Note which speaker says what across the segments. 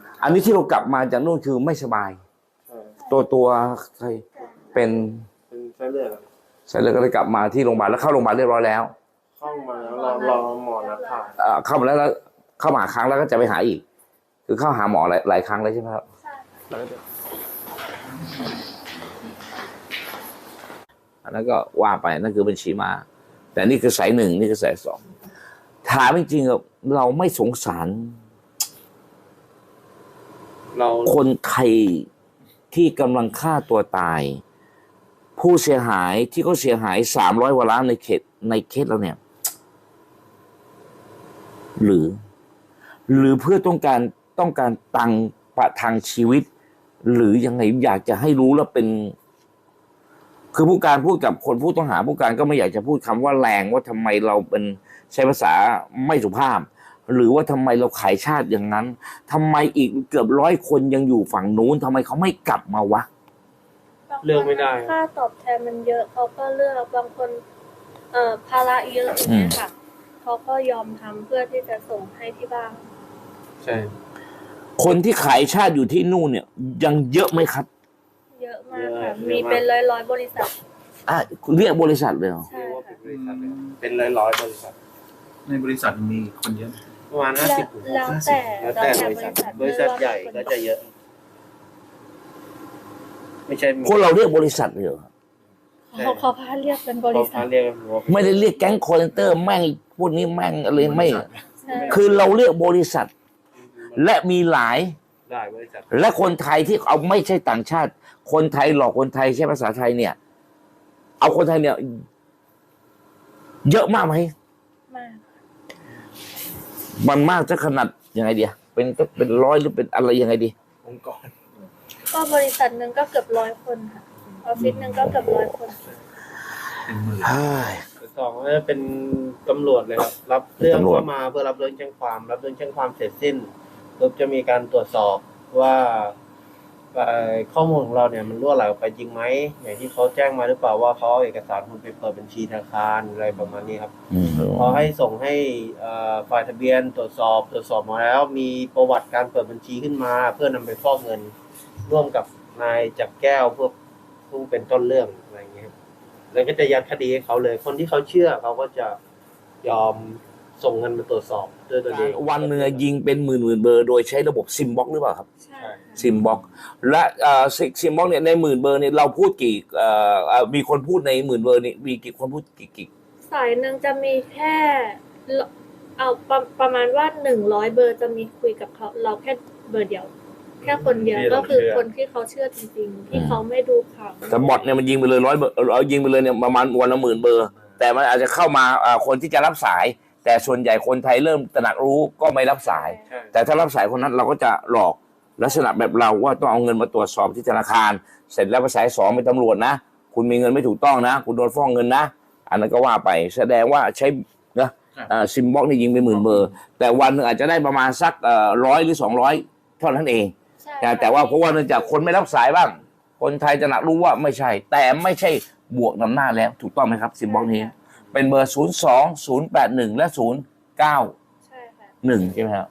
Speaker 1: อันนี้ที่เรากลับมาจากนู่นคือไม่สบาย ตัวใครเป็น
Speaker 2: ไส้เลือด
Speaker 1: เสร็จแล้วก็เลยกลับมาที่โรงพยาบาลแล้วเข้าโรงพยาบาลเรียบร้อยแล้ว
Speaker 2: เข้ามาแล้วรอหมอนัดผ่า
Speaker 1: เข้ามาแล้วเข้ามาหาครั้งแล้วก็จะไปหาอีก คือเข้าหาหมอหลายครั้งเลยใช่ไหมครับอันนั้นก็ว่าไปนั่นคือบัญชีมาแต่นี่คือสายหนึ่งนี่คือสายสองถามจริงๆเราไม่สงสารคนไทยที่กำลังฆ่าตัวตายผู้เสียหายที่เขาเสียหาย300 กว่าล้านในเคสเราเนี่ยหรือเพื่อต้องการตังค์ประทังชีวิตหรือยังไงอยากจะให้รู้แล้วเป็นคือผู้การพูดกับคนผู้ต้องหาผู้การก็ไม่อยากจะพูดคำว่าแรงว่าทำไมเราเป็นใช้ภาษาไม่สุภาพหรือว่าทำไมเราขายชาติอย่างนั้นทำไมอีกเกือบ100 คนยังอยู่ฝั่งนู้นทำไมเขาไม่กลับมาวะ
Speaker 2: เลือกไม่ได้
Speaker 3: ค่าตอบแทนมันเยอะเขาก็เลือกบางคนภาระเยอะอย่างเงี้ยค่ะเขาก็ยอมทำเพื่อที่จะส่งให้ที่บ้าน
Speaker 2: ใช่
Speaker 1: คนที่ขายชาติอยู่ที่นู่นเนี่ยยังเยอะไหมครับ
Speaker 3: เยอะมากค่ะมีเป็นร้อยบริษัท
Speaker 1: เรียกบริษัทเลยเหรอ
Speaker 3: ใช่ค่ะ
Speaker 2: เป็นร้อยบริษัท
Speaker 4: ในบริษัทมีคนเยอะ
Speaker 2: ประมาณ50
Speaker 3: แล้วแต่
Speaker 2: บริษัทใหญ่ก็จะเยอะไม่ใช่
Speaker 1: คนเราเรียกบริษัทเลยเหรอ
Speaker 3: เขาพาเรียกเป็นบริษัท
Speaker 1: ไม่ได้เรียกแก๊งคอร์เซนเตอร์แม่งพวกนี้แม่งอะไรไม่คือเราเรียกบริษัทและมีหลาย
Speaker 2: บริษัท
Speaker 1: และคนไทยที่เอาไม่ใช่ต่างชาติคนไทยหลอกคนไทยใช้ภาษาไทยเนี่ยเอาคนไทยเนี่ยเยอะมากไหม
Speaker 3: มาก
Speaker 1: มันมากจะขนาดยังไงดีเป็นร้อยหรือเป็นอะไรยังไงดี
Speaker 2: องค์กร
Speaker 3: ก็บริษัทหนึ่งก็เกือบ100 คนค่ะออฟฟิศหนึ่งก็เกือบ100 คน
Speaker 2: สองก็เป็นตำรวจเลยครับรับเรื่องเข้ามาเพื่อรับเรื่องแจ้งความรับเรื่องแจ้งความเสร็จสิ้นปุ๊บจะมีการตรวจสอบว่าข้อมูลของเราเนี่ยมันรั่วไหลออกไปจริงไหมอย่างที่เขาแจ้งมาหรือเปล่าว่าเขาเอาเอกสารคุณไปเปิดบัญชีธนาคารอะไรประมาณนี้ครับพอให้ส่งให้ฝ่ายทะเบียนตรวจสอบมาแล้วมีประวัติการเปิดบัญชีขึ้นมาเพื่อนำไปฟอกเงินร่วมกับนายจักรแก้วเพื่อผู้เป็นต้นเรื่องอะไรอย่างเงี้ยแล้วก็จะยัดคดีให้เขาเลยคนที่เขาเชื่อเขาก็จะยอมส่งเงินมาตรวจสอบด้วยตัวเอง
Speaker 1: วันเนื้อยิงเป็นหมื่นเบอร์โดยใช้ระบบซิมบ็อกหรือเปล่าครับ
Speaker 3: ใช่
Speaker 1: ซิมบ็อกและซิมบ็อกเนี่ยใน10,000 เบอร์เนี่ยเราพูดกี่มีคนพูดใน10,000 เบอร์นี่มีกี่คนพูดกี่
Speaker 3: สายหนึ่งจะมีแค่เอาประมาณว่า100 เบอร์จะมีคุยกับเขาเราแค่เบอร์เดียวแค่คนเดียวก็คือคนที่เขาเชื่อจริงๆที่เขาไม่ดูข่าว
Speaker 1: แต่บอทเนี่ยมันยิงไปเลย100 เบอร์ยิงไปเลยเนี่ยประมาณวันละ10,000 เบอร์แต่มันอาจจะเข้ามาคนที่จะรับสายแต่ส่วนใหญ่คนไทยเริ่มตระหนักรู้ก็ไม่รับสายแต่ถ้ารับสายคนนั้นเราก็จะหลอกลักษณะแบบเราว่าต้องเอาเงินมาตรวจสอบที่ธนาคารเสร็จแล้วไปสาย2เป็นตำรวจนะคุณมีเงินไม่ถูกต้องนะคุณโดนฟ้องเงินนะอันนั้นก็ว่าไปแสดงว่าใช้นะซิมบ็อกนี่ยิงไป10,000 เบอร์แต่วันนึงอาจจะได้ประมาณสัก100 หรือ 200เท่านั้นเองแต่ว่าเพราะว่าเนื่องจากคนไม่รับสายบ้างคนไทยจะหนักรู้ว่าไม่ใช่แต่ไม่ใช่บวกนำหน้าแล้วถูกต้องไหมครับซิมบ็อกนี้เป็นเบอร์02-081และ091ใช่ไหมครับ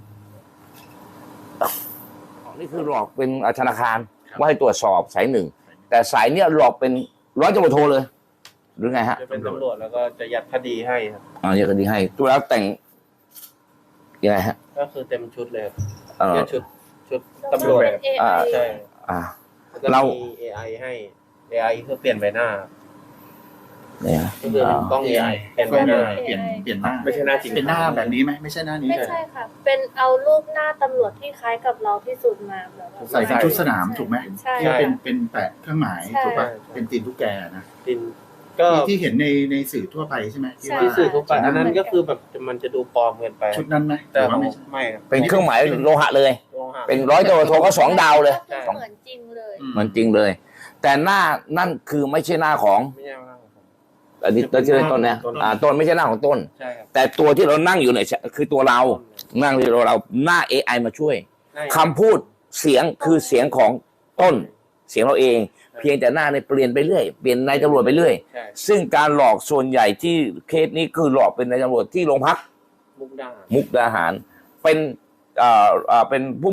Speaker 1: นี่คือหลอกเป็นธนาคารว่าให้ตรวจสอบสายหนึ่งแต่สายเนี้ยหลอกเป็นร้อยตำรวจโทเลยหรือไงฮะ
Speaker 2: จะเป็นตำรวจแล้วก็จะยัดคดีให้ครับ
Speaker 1: ยัดคดีให้ตัวแล้วแต่งยังไงฮะ
Speaker 2: ก็คือเต็มชุดเลยชุดตำรวจใช่เรามี AI ให้ AI เพื่อเปลี่ยนใบหน้า
Speaker 1: เนี่ย
Speaker 2: ก็คือกล้อง AI เปลี่ยนใบหน้า
Speaker 4: เปลี่ยนหน้า
Speaker 2: ไม่ใช่หน้าจริง
Speaker 4: เป็นหน้าแบบนี้ไหมไม่ใช่หน้านี้
Speaker 3: ไม่ใช่ค่ะเป็นเอารูปหน้าตำรวจที่คล้ายกับเราที่สุดมาแบบ
Speaker 4: ใส่เป็นชุดสนามถูกไหม
Speaker 3: ใช่
Speaker 4: เป็นแปะเครื่องหมายถูกป่ะเป็นตีนตุ๊กแกนะ
Speaker 2: ตีนก็
Speaker 4: ที่เห็นในสื่อทั่วไปใช่ไหม
Speaker 2: ที่สื่อทั่วไปอันนั้นก็คือแบบมันจะดูปลอมเกินไป
Speaker 4: ชุดนั้นไหม
Speaker 2: แต่ไม่
Speaker 1: เป็นเครื่องหมายโลหะเลยเป็นร้อยตำรวจโทก็2 ดาวเลย
Speaker 3: เหมือนจริงเลย
Speaker 1: เหมือนจริงเลยแต่หน้านั่นคือไม่ใช่หน้าของอันนี้ต้นต้นเนี่ยต้นไม่ใช่หน้าของต้นแต่ตัวที่เรานั่งอยู่เนี่ยคือตัวเรานั่งที่เราหน้า AI มาช่วยคำพูดเสียงคือเสียงของต้นเสียงเราเองเพียงแต่หน้าเนี่ยเปลี่ยนไปเรื่อยเปลี่ยนนายตำรวจไปเรื่อยซึ่งการหลอกส่วนใหญ่ที่เคสนี้คือหลอกเป็นนายตำรวจที่โรงพักมุกดาหารเป็นผู้